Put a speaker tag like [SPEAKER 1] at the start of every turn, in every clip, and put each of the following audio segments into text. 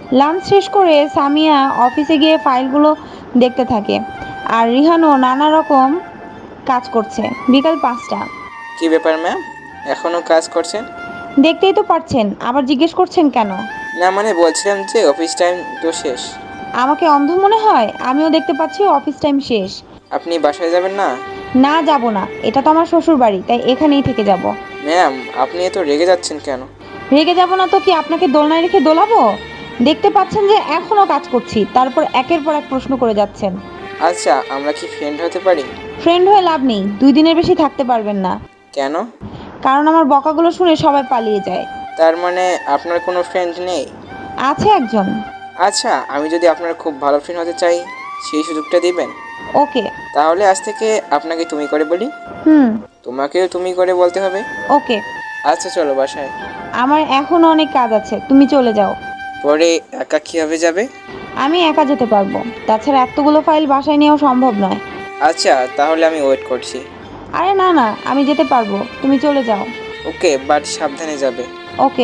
[SPEAKER 1] Lunch শেষ করে সামিয়া অফিসে গিয়ে ফাইলগুলো দেখতে থাকে, আর রিহানও নানা রকম কাজ করছে। বিকাল 5টা।
[SPEAKER 2] কি ব্যাপার ম্যাম, এখনো কাজ করছেন?
[SPEAKER 1] দেখতেই তো পারছেন, আবার জিজ্ঞেস করছেন কেন?
[SPEAKER 2] না মানে বলছিলাম যে অফিস টাইম তো শেষ।
[SPEAKER 1] আমাকে অন্ধ মনে হয়? আমিও দেখতে পাচ্ছি অফিস টাইম শেষ।
[SPEAKER 2] আপনি বাসায় যাবেন না?
[SPEAKER 1] না, যাব না, এটা তো আমার শ্বশুর বাড়ি, তাই এখানেই থেকে যাব।
[SPEAKER 2] ম্যাম, আপনি এত রেগে যাচ্ছেন কেন?
[SPEAKER 1] রেগে যাব না তো কি আপনাকে দোলনায় রেখে দোলাবো? দেখতে পাচ্ছেন যে এখনো কাজ করছি, তারপর একের পর এক প্রশ্ন করে যাচ্ছেন।
[SPEAKER 2] আচ্ছা, আমরা কি ফ্রেন্ড হতে পারি?
[SPEAKER 1] ফ্রেন্ড হয়ে লাভ নেই, 2 দিনের বেশি থাকতে পারবেন না।
[SPEAKER 2] কেন?
[SPEAKER 1] কারণ আমার বকাগুলো শুনে সবাই পালিয়ে যায়।
[SPEAKER 2] তার মানে আপনার কোনো ফ্রেন্ড নেই?
[SPEAKER 1] আছে একজন।
[SPEAKER 2] আচ্ছা, আমি যদি আপনার খুব ভালো ফ্রেন্ড হতে চাই, সেই সুযোগটা দিবেন?
[SPEAKER 1] ওকে।
[SPEAKER 2] তাহলে আজ থেকে আপনাকে তুমি করে বলি।
[SPEAKER 1] হুম।
[SPEAKER 2] তোমাকেও তুমি করে বলতে হবে।
[SPEAKER 1] ওকে।
[SPEAKER 2] আচ্ছা চলো বাসায়।
[SPEAKER 1] আমার এখনো অনেক কাজ আছে, তুমি চলে যাও।
[SPEAKER 2] পরে একা কীভাবে যাবে?
[SPEAKER 1] আমি একা যেতে পারবো, তাছাড়া এতগুলো ফাইল বাসায় নেওয়া সম্ভব নয়।
[SPEAKER 2] আচ্ছা, তাহলে আমি ওয়েট করছি।
[SPEAKER 1] আরে না না, আমি যেতে পারবো, তুমি চলে যাও।
[SPEAKER 2] ওকে, বাট সাবধানে যাবে।
[SPEAKER 1] ওকে।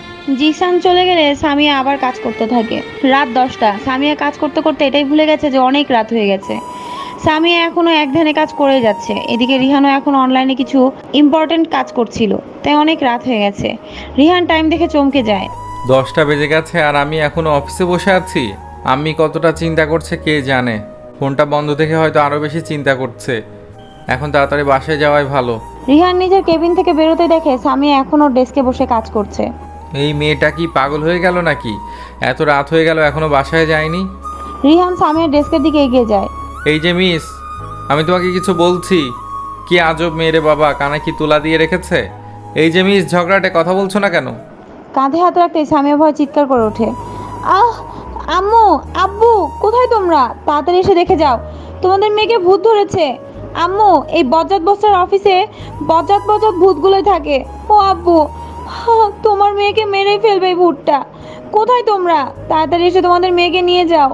[SPEAKER 1] জিসান চলে গেলে সামিয়া আবার কাজ করতে থাকে। রাত 10টা। সামিয়া কাজ করতে করতে এটাই ভুলে গেছে যে অনেক রাত হয়ে গেছে। সামিয়া এখনো এক ধ্যানে কাজ করে যাচ্ছে, এদিকে রিহানও এখন অনলাইনে কিছু ইম্পর্টেন্ট কাজ করছিল, তাই অনেক রাত হয়ে গেছে। রিহান টাইম দেখে চমকে যায়।
[SPEAKER 3] 10টা বেজে গেছে আর আমি এখনো অফিসে বসে আছি। আমি কতটা চিন্তা করছে কে জানে। ফোনটা বন্ধ দেখে হয়তো আরও বেশি চিন্তা করছে। এখন তাড়াতাড়ি বাসায় যাওয়াই ভালো।
[SPEAKER 1] রিহান নিজের কেবিন থেকে বেরোতে দেখে সামিয়া এখনো ডেস্কে বসে কাজ করছে।
[SPEAKER 3] এই মেয়েটা কি পাগল হয়ে গেল নাকি? এত রাত হয়ে গেল এখনো বাসায় যায়নি।
[SPEAKER 1] রিহান সামিয়ার ডেস্কের দিকে এগিয়ে যায়।
[SPEAKER 3] এই যে মিস, আমি তোমাকে কিছু বলছি। কি আজব মেয়েরে বাবা, কানে কি তুলা দিয়ে রেখেছে? এই যে মিস, ঝগড়াটে কথা বলছো না কেন?
[SPEAKER 1] কাঁধে হাত রাখতেই সামিয়া ভয় চিৎকার করে ওঠে। আহ! আম্মু! আব্বু! কোথায় তোমরা? তাড়াতাড়ি এসে দেখে যাও, তোমাদের মেয়েকে ভূত ধরেছে। আম্মু, এই বজ্জাত বস্তার অফিসে বজ্জাত বজ্জাত ভূতগুলোই থাকে। ও আব্বু, তোমার মেয়েকে মেরেই ফেলবে এই ভূতটা। কোথায় তোমরা? তাড়াতাড়ি এসে তোমাদের মেয়েকে নিয়ে যাও।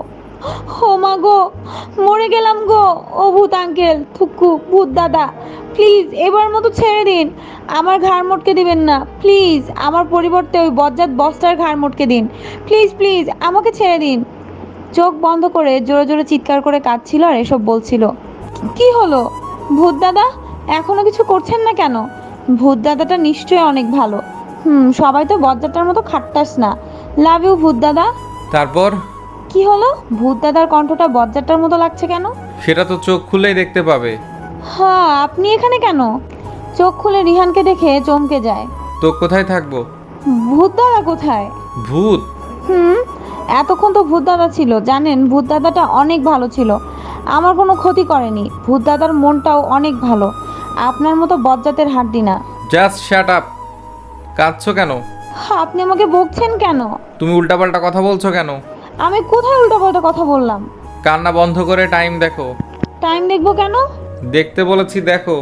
[SPEAKER 1] ও মা গো, মরে গেলাম গো। ও ভূত আঙ্কেল, থুকু, ভূত দাদা, প্লিজ এবার মতো ছেড়ে দিন। আমার ঘাড় মটকে দিবেন না প্লিজ, আমার পরিবর্তে ওই বজ্জাত বস্তার ঘাড় মটকে দিন। প্লিজ প্লিজ আমাকে ছেড়ে দিন। চোখ বন্ধ করে জোরে জোরে চিৎকার করে কাঁদছিল আর এসব বলছিল। কি হলো ভূত দাদা, এখনো কিছু করছেন না কেন? ভূত দাদাটা নিশ্চয়ই অনেক ভালো। সবাই তো বজ্জাতটার মতো খাট্টাস না। লাভ ইউ ভূত দাদা।
[SPEAKER 3] তারপর?
[SPEAKER 1] কি হলো? ভূত দাদার কণ্ঠটা বজ্জাতটার মতো লাগছে কেন?
[SPEAKER 3] সেটা তো চোখ খুললেই দেখতে পাবে।
[SPEAKER 1] হ্যাঁ, আপনি এখানে কেন? চোখ খুলে রিহানকে দেখে চমকে যায়।
[SPEAKER 3] তো কোথায় থাকবো?
[SPEAKER 1] ভূত দাদা কোথায়?
[SPEAKER 3] ভূত?
[SPEAKER 1] হুম, এতক্ষণ তো ভূত দাদা ছিল, জানেন ভূত দাদাটা অনেক ভালো ছিল, আমার কোনো ক্ষতি করেনি। ভূত দাদার মনটাও অনেক ভালো, আপনার মতো বজ্জাতের হাড্ডি না।
[SPEAKER 3] Just shut up. কাঁদছো কেন?
[SPEAKER 1] আপনি আমাকে বকছেন কেন?
[SPEAKER 3] তুমি উল্টাপাল্টা কথা বলছো কেন?
[SPEAKER 1] আমি কোথায় উল্টাপাল্টা কথা বললাম?
[SPEAKER 3] কান্না বন্ধ করে টাইম দেখো।
[SPEAKER 1] টাইম দেখবো কেন?
[SPEAKER 3] দেখতে বলেছি, দেখো।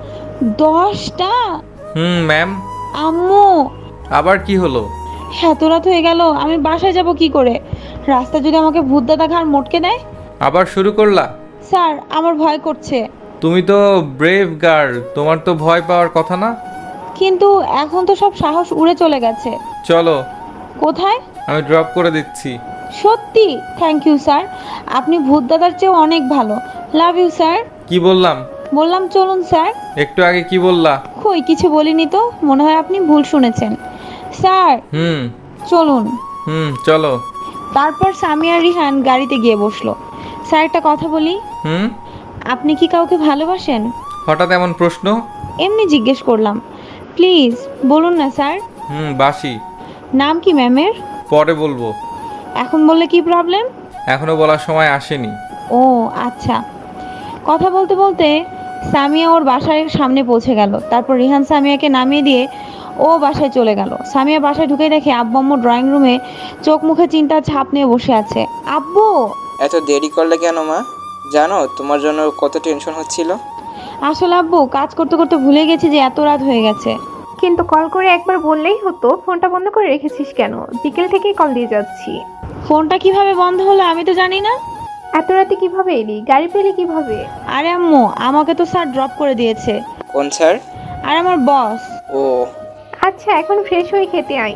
[SPEAKER 1] 10টা?
[SPEAKER 3] ম্যাম।
[SPEAKER 1] আম্মু!
[SPEAKER 3] আবার কি হলো?
[SPEAKER 1] এত রাত হয়ে গেল, আমি বাসায় যাব কি করে? রাস্তা যদি আমাকে ভূত দাদা ঘাড় মটকে দেয়?
[SPEAKER 3] আবার শুরু করলা?
[SPEAKER 1] স্যার, আমার ভয় করছে।
[SPEAKER 3] তুমি তো ব্রেভ গার্ল, তোমার তো ভয় পাওয়ার কথা না।
[SPEAKER 1] কিন্তু এখন তো সব সাহস উড়ে চলে গেছে।
[SPEAKER 3] চলো,
[SPEAKER 1] কোথায়?
[SPEAKER 3] আমি ড্রপ করে দিচ্ছি।
[SPEAKER 1] সত্যি? থ্যাংক ইউ স্যার, আপনি ভূত দাদার চেয়েও অনেক ভালো। Love you sir.
[SPEAKER 3] কি বললাম?
[SPEAKER 1] বললাম চলুন স্যার।
[SPEAKER 3] একটু আগে কি বললা?
[SPEAKER 1] কই কিছু বলিনি তো, মনে হয় আপনি ভুল শুনেছেন। স্যার
[SPEAKER 3] হুম
[SPEAKER 1] চলুন।
[SPEAKER 3] চলো।
[SPEAKER 1] তারপর সামিয়া রিহান গাড়িতে গিয়ে বসলো। স্যার একটা কথা বলি,
[SPEAKER 3] হুম
[SPEAKER 1] আপনি কি কাউকে ভালোবাসেন?
[SPEAKER 3] হঠাৎ এমন প্রশ্ন?
[SPEAKER 1] এমনি জিজ্ঞেস করলাম, প্লিজ বলুন না স্যার।
[SPEAKER 3] বাসি।
[SPEAKER 1] নাম কি ম্যামের?
[SPEAKER 3] পরে বলবো।
[SPEAKER 1] এখন বললে কি প্রবলেম?
[SPEAKER 3] এখনো বলার সময় আসেনি।
[SPEAKER 1] ও আচ্ছা। কথা বলতে বলতে সামিয়া ওর বাসার সামনে পৌঁছে গেল। তারপর রিহান সামিয়াকে নামিয়ে দিয়ে ও বাসায় চলে গেল। সামিয়া বাসায় ঢুকে দেখে আব্বু আম্মু ড্রয়িং রুমে চোখ মুখে চিন্তার ছাপ নিয়ে বসে আছে। আব্বু!
[SPEAKER 2] এত দেরি করলে কেন মা? জানো তোমার জন্য কত টেনশন হচ্ছিল।
[SPEAKER 1] আসলে আব্বু, কাজ করতে করতে ভুলে গেছি যে এত রাত হয়ে গেছে।
[SPEAKER 4] কিন্তু কল করে একবার বললেই হতো। ফোনটা বন্ধ করে রেখেছিস কেন? বিকেল থেকেই কল দিয়ে যাচ্ছি।
[SPEAKER 1] ফোনটা কিভাবে বন্ধ হলো আমি তো জানি না।
[SPEAKER 4] এত রাতে কিভাবে এলি? গাড়ি পেলি কিভাবে?
[SPEAKER 1] আরে আম্মু, আমাকে তো স্যার ড্রপ করে দিয়েছে।
[SPEAKER 2] কোন স্যার?
[SPEAKER 1] আর আমার বস।
[SPEAKER 2] ও
[SPEAKER 4] আচ্ছা, এখন ফ্রেশ হয়ে খেতে আয়।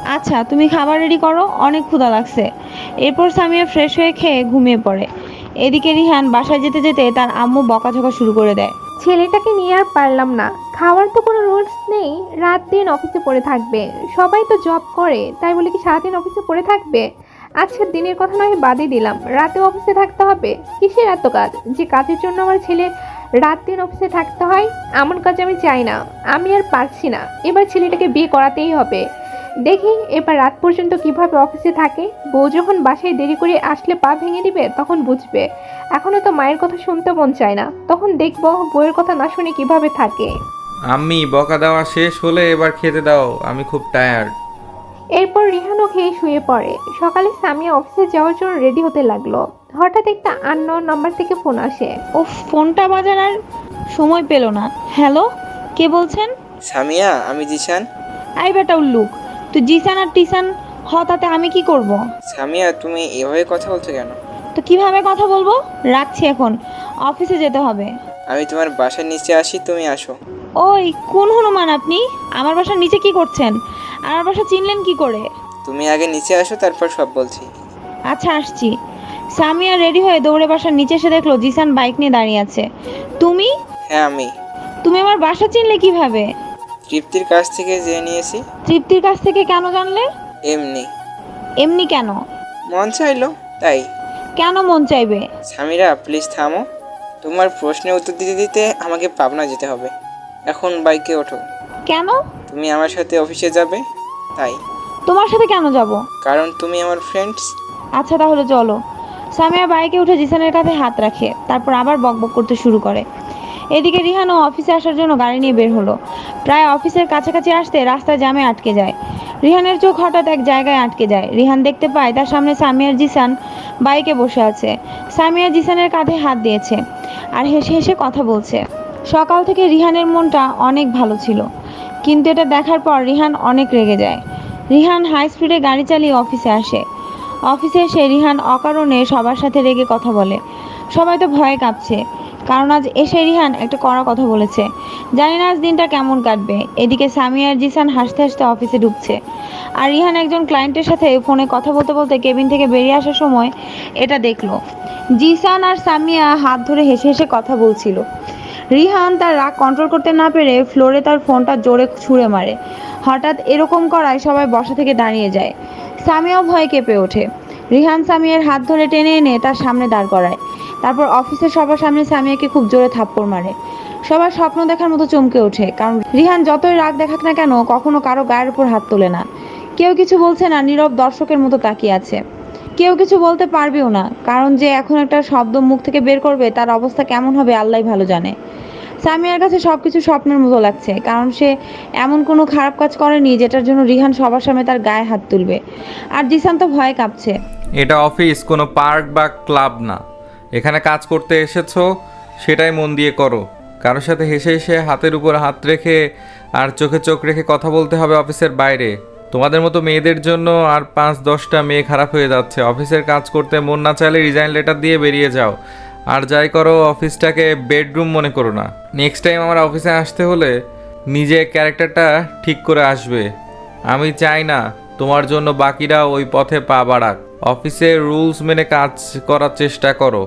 [SPEAKER 1] আচ্ছা তুমি খাবার রেডি করো, অনেক ক্ষুধা লাগছে। এরপর সামিয়া ফ্রেশ হয়ে খেয়ে ঘুমিয়ে পড়ে। এদিকে রিহান বাসায় যেতে যেতে তার আম্মু বকাঝকা শুরু করে দেয়।
[SPEAKER 4] ছেলেটাকে নিয়ে আর পারলাম না। খাওয়ার তো কোনো রুলস নেই, রাত দিন অফিসে পড়ে থাকবে। সবাই তো জব করে, তাই বলে কি সারাদিন অফিসে পড়ে থাকবে? আজকে দিনের কথা নয় বাদই দিলাম, রাতে অফিসে থাকতে হবে। কিসের এত কাজ যে কাজের জন্য আমার ছেলে রাত দিন অফিসে থাকতে হয়? এমন কাজ আমি চাই না, আমি আর পারছি না। এবার ছেলেটাকে বিয়ে করাতেই হবে। দেখি এবার রাত পর্যন্ত কিভাবে অফিসে থাকে। বউ যখন বাসায় দেরি করে আসলে পা ভেঙে দিবে তখন বুঝবে। এখনো তো মায়ের কথা শুনতে মন চায় না, তখন দেখবো বউয়ের কথা না শুনে কিভাবে থাকে।
[SPEAKER 3] আম্মি বকা দেওয়া শেষ হলে এবার খেতে দাও, আমি খুব টায়ার্ড।
[SPEAKER 4] এরপর রিহানও খেয়ে শুয়ে পড়ে। সকালে সামিয়া অফিসে যাওয়ার জন্য রেডি হতে লাগলো। হঠাৎ একটা আননোন নাম্বার থেকে ফোন আসে।
[SPEAKER 1] ও ফোনটা বাজার আর সময় পেল না। হ্যালো, কে বলছেন?
[SPEAKER 2] সামিয়া, আমি জিশান।
[SPEAKER 1] আই বেটা উল্লুক, তুই জিসান আর টিসান তাতে আমি কি করব?
[SPEAKER 2] সামিয়া, তুমি এভাবে কথা বলছো কেন?
[SPEAKER 1] তো কিভাবে কথা বলবো? রাখছি এখন, অফিসে যেতে হবে।
[SPEAKER 2] আমি তোমার বাসার নিচে আসি, তুমি আসো।
[SPEAKER 1] ওই কোন হনুমান আপনি? আমার বাসার নিচে কি করছেন? আমার বাসা চিনলেন কি করে?
[SPEAKER 2] তুমি আগে নিচে আসো, তারপর সব বলছি।
[SPEAKER 1] আচ্ছা আসছি। সামিয়া রেডি হয়ে দৌড়ে বাসার নিচে এসে দেখলো জিসান বাইক নিয়ে দাঁড়িয়ে আছে। তুমি
[SPEAKER 2] হ্যাঁ আমি।
[SPEAKER 1] তুমি আমার বাসা চিনলে কিভাবে?
[SPEAKER 2] তৃপ্তির কাছ থেকে জেনে নিয়েছি।
[SPEAKER 1] তৃপ্তির কাছ থেকে কেন জানলে?
[SPEAKER 2] এমনি।
[SPEAKER 1] এমনি কেন?
[SPEAKER 2] মন চাইলো তাই।
[SPEAKER 1] কেন মন চাইবে?
[SPEAKER 2] সামিরা প্লিজ থামো। তোমার প্রশ্নের উত্তর দিতে দিতে আমাকে পাবনা যেতে হবে। এখন বাইকে ওঠো।
[SPEAKER 1] কেন?
[SPEAKER 2] তুমি আমার সাথে অফিসে যাবে তাই।
[SPEAKER 1] তোমার সাথে কেন যাব?
[SPEAKER 2] কারণ তুমি আমার ফ্রেন্ডস।
[SPEAKER 1] আচ্ছা তাহলে চলো। সামিয়া বাইকে উঠে জিসানের কাঁধে হাত রাখে, তারপর আবার বকবক করতে শুরু করে। এদিকে রিহানও অফিসে আসার জন্য গাড়ি নিয়ে বের হলো। প্রায় অফিসের কাছাকাছি আসতে রাস্তায় জ্যামে আটকে যায়। রিহানের চোখ হঠাৎ এক জায়গায় আটকে যায়। রিহান দেখতে পায় তার সামনে সামিয়ার জিসান বাইকে বসে আছে। সামিয়া জিসানের কাঁধে হাত দিয়েছে আর হেসে হেসে কথা বলছে। সকাল থেকে রিহানের মনটা অনেক ভালো ছিল, কিন্তু এটা দেখার পর রিহান অনেক রেগে যায়। রিহান হাই স্পিডে গাড়ি চালিয়ে অফিসে আসে। অফিসে এসে রিহান অকারণে সবার সাথে রেগে কথা বলে। সবাই তো ভয়ে কাঁপছে, কারণ আজ এসে রিহান একটা কড়া কথা বলেছে। জানি না আজ দিনটা কেমন কাটবে। এদিকে সামিয়া আর জিসান হাসতে হাসতে অফিসে ঢুকছে, আর রিহান একজন ক্লায়েন্টের সাথে ফোনে কথা বলতে বলতে কেবিন থেকে বেরিয়ে আসার সময় এটা দেখলো। জিসান আর সামিয়া হাত ধরে হেসে হেসে কথা বলছিল। রিহান তার রাগ কন্ট্রোল করতে না পেরে ফ্লোরে তার ফোনটা জোরে ছুঁড়ে মারে। হঠাৎ এরকম করায় সবাই বসা থেকে দাঁড়িয়ে যায়। সামিয়াও ভয়ে কেঁপে ওঠে। রিহান সামিয়ার হাত ধরে টেনে এনে তার সামনে দাঁড় করায়। তারপর অফিসের সবার সামনে সামিয়াকে খুব জোরে থাপ্পড় মারে। সবার স্বপ্ন দেখার মতো চমকে ওঠে, কারণ রিহান যতই রাগ দেখাক না কেন কখনো কারো গায়ের উপর হাত তোলে না। কেউ কিছু বলছে না, নীরব দর্শকের মতো তাকিয়ে আছে। কেউ কিছু বলতে পারবেও না, কারণ যে এখন একটা শব্দ মুখ থেকে বের করবে তার অবস্থা কেমন হবে আল্লাহই ভালো জানে। সামিয়ার কাছে সবকিছু স্বপ্নের মতো লাগছে, কারণ সে এমন কোনো খারাপ কাজ করেনি যেটার জন্য রিহান সবার সামনে তার গায়ে হাত তুলবে। আর জিসান তো ভয়ে কাঁপছে।
[SPEAKER 3] এটা অফিস, কোনো পার্ক বা ক্লাব না। এখানে কাজ করতে এসেছো, সেটাই মন দিয়ে করো। কারোর সাথে হেসে হেসে হাতের উপর হাত রেখে আর চোখে চোখ রেখে কথা বলতে হবে অফিসের বাইরে? তোমাদের মতো মেয়েদের জন্য আর 5-10টা মেয়ে খারাপ হয়ে যাচ্ছে। অফিসের কাজ করতে মন না চাইলে রিজাইন লেটার দিয়ে বেরিয়ে যাও। আর যাই করো, অফিসটাকে বেডরুম মনে করো না। নেক্সট টাইম আমার অফিসে আসতে হলে নিজে ক্যারেক্টারটা ঠিক করে আসবে। আমি চাই না তোমার জন্য বাকিরা ওই পথে পা বাড়াক। অফিসের রুলস মেনে কাজ করার চেষ্টা করো।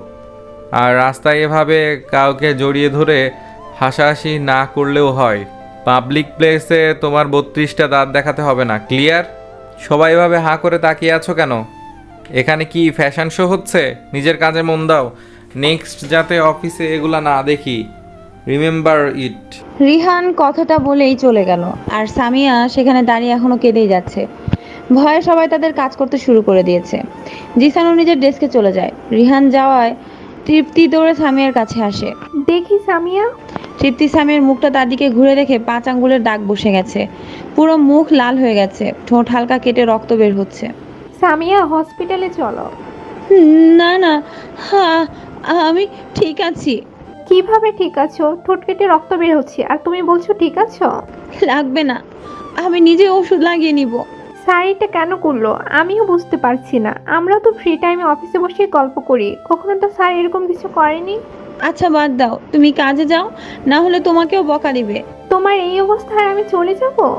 [SPEAKER 3] আর রাস্তায় এভাবে কাউকে জড়িয়ে ধরে হাসাহাসি না করলেও হয়। পাবলিক প্লেসে তোমার 32টা দাঁত দেখাতে হবে না। ক্লিয়ার? সবাই এভাবে হাঁ করে তাকিয়ে আছো কেন? এখানে কি ফ্যাশন শো হচ্ছে? নিজের কাজে মন দাও। নেক্সট যাতে অফিসে এগুলা না দেখি। Remember it.
[SPEAKER 1] রিহান কথাটা বলেই চলে গেল, আর সামিয়া সেখানে দাঁড়িয়ে এখনো কেঁদেই যাচ্ছে। ভয়ে সবাই তাদের কাজ করতে শুরু করে দিয়েছে। জিসানও নিজের ডেস্কে চলে যায়। রিহান যাওয়ায় তৃপ্তি দৌড়ে সামিয়ার কাছে আসে।
[SPEAKER 4] দেখি সামিয়া।
[SPEAKER 1] তৃপ্তি সামিয়ার মুখটা তার দিকে ঘুরে দেখে 5 আঙ্গুলের দাগ বসে গেছে। পুরো মুখ লাল হয়ে গেছে, ঠোঁট হালকা কেটে রক্ত বের হচ্ছে।
[SPEAKER 4] সামিয়া হসপিটালে চলো।
[SPEAKER 1] না না, হ্যাঁ আমি ঠিক আছি।
[SPEAKER 4] কিভাবে ঠিক আছো? ঠোঁট কেটে রক্ত বের হচ্ছে আর তুমি বলছো ঠিক আছো?
[SPEAKER 1] লাগবে না, আমি নিজে ওষুধ লাগিয়ে নিব।
[SPEAKER 4] স্যার এটা কেন করলো আমিও বুঝতে পারছি না। আমরা তো ফ্রি টাইমে অফিসে বসে গল্প করি, কখনো তো স্যার এরকম কিছু করেনি।
[SPEAKER 1] আচ্ছা বাদ দাও, তুমি কাজে যাও, না হলে তোমাকেও বকা দিবে।
[SPEAKER 4] তোমার এই অবস্থায় আমি চলে যাব?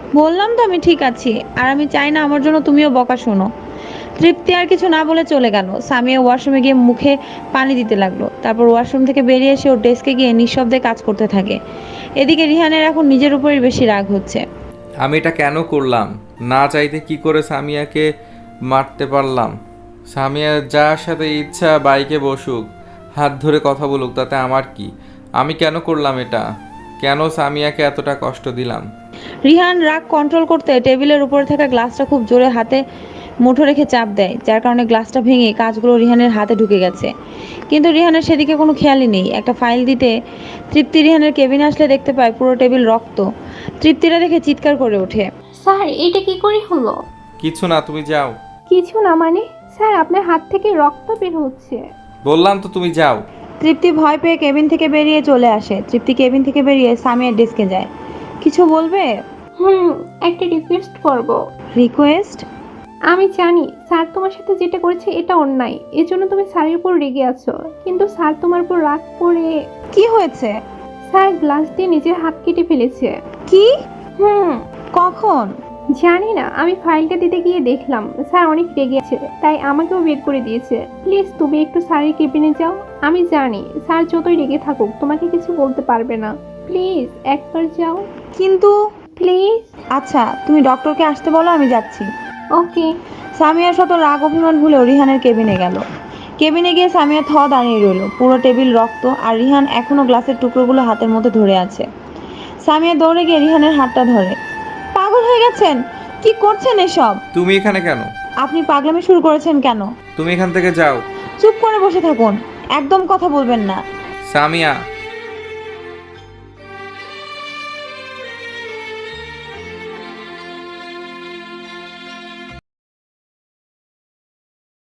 [SPEAKER 1] বললাম তো আমি ঠিক আছি, আর আমি চাই না আমার জন্য তুমিও বকা শোনো। তৃপ্তি আর কিছু না বলে চলে গেল। সামিয়া ওয়াশরুমে গিয়ে মুখে পানি দিতে লাগলো। তারপর ওয়াশরুম থেকে বেরিয়ে এসে ওর ডেস্কে গিয়ে নিঃশব্দে কাজ করতে থাকে। এদিকে রিহানের এখন নিজের উপরই বেশি রাগ হচ্ছে।
[SPEAKER 3] আমি এটা কেন করলাম? না চাইতে কি করে সামিয়াকে মারতে পারলাম? সামিয়া যার সাথে ইচ্ছা বাইকে বসুক, হাত ধরে কথা বলুক, তাতে আমার কি? আমি কেন করলাম এটা? কেন সামিয়াকে এতটা কষ্ট দিলাম?
[SPEAKER 1] রিহান রাগ কন্ট্রোল করতে টেবিলের উপরে থাকা গ্লাসটা খুব জোরে হাতে মুঠো রেখে চাপ দেয়, যার কারণে গ্লাসটা ভেঙে কাঁচগুলো রিহানের হাতে ঢুকে গেছে। কিন্তু রিহানের সেদিকে কোনো খেয়ালই নেই। একটা ফাইল দিতে তৃপ্তি রিহানের কেবিনে আসলে দেখতে পায় পুরো টেবিল রক্ত। তৃপ্তিরা দেখে চিৎকার করে ওঠে।
[SPEAKER 4] স্যার এটা কি করে হলো?
[SPEAKER 3] কিছু না, তুমি যাও।
[SPEAKER 4] কিছু না মানে? স্যার আপনার হাত থেকে রক্ত বের হচ্ছে।
[SPEAKER 3] বললাম তো তুমি যাও।
[SPEAKER 1] তৃপ্তি ভয় পেয়ে কেবিন থেকে বেরিয়ে চলে আসে। তৃপ্তি কেবিন থেকে বেরিয়ে সামিয়ার ডেস্কে যায়। কিছু বলবে?
[SPEAKER 4] একটা রিকোয়েস্ট করব।
[SPEAKER 1] রিকোয়েস্ট?
[SPEAKER 4] আমি জানি স্যার তোমার সাথে যেটা করেছে এটা অন্যায়, এজন্য তুমি স্যারের উপর রেগে আছো, কিন্তু স্যার তোমার উপর রাগ করে
[SPEAKER 1] কি হয়েছে?
[SPEAKER 4] স্যার গ্লাস দিয়ে নিজের হাত কেটে ফেলেছে।
[SPEAKER 1] কি? কখন?
[SPEAKER 4] জানি না, আমি ফাইলটা দিতে গিয়ে দেখলাম স্যার অনেক রেগে আছে, তাই আমাকেও বের করে দিয়েছে। প্লিজ তুমি একটু স্যারের কেবিনে যাও। আমি জানি স্যার যতই রেগে থাকুক তোমাকে কিছু বলতে পারবে না। প্লিজ একবার যাও।
[SPEAKER 1] কিন্তু
[SPEAKER 4] প্লিজ।
[SPEAKER 1] আচ্ছা, তুমি ডক্টরকে আসতে বলো, আমি যাচ্ছি।
[SPEAKER 4] ওকে।
[SPEAKER 1] সামিয়া শত রাগ অভিমান ভুলেও রিহানের কেবিনে গেল। কেবিনে গিয়ে সামিয়া দাঁড়িয়ে রইল। পুরো টেবিল রক্ত, আর রিহান এখনো গ্লাসের টুকরোগুলো হাতের মধ্যে ধরে আছে। সামিয়া দৌড়ে গিয়ে রিহানের হাতটা ধরে। পাগল হয়ে গেছেন? কি করছেন এসব?
[SPEAKER 3] তুমি এখানে কেন?
[SPEAKER 1] আপনি পাগলামি শুরু করেছেন কেন?
[SPEAKER 3] তুমি এখান থেকে যাও।
[SPEAKER 1] চুপ করে বসে থাকুন, একদম কথা বলবেন না।
[SPEAKER 3] সামিয়া,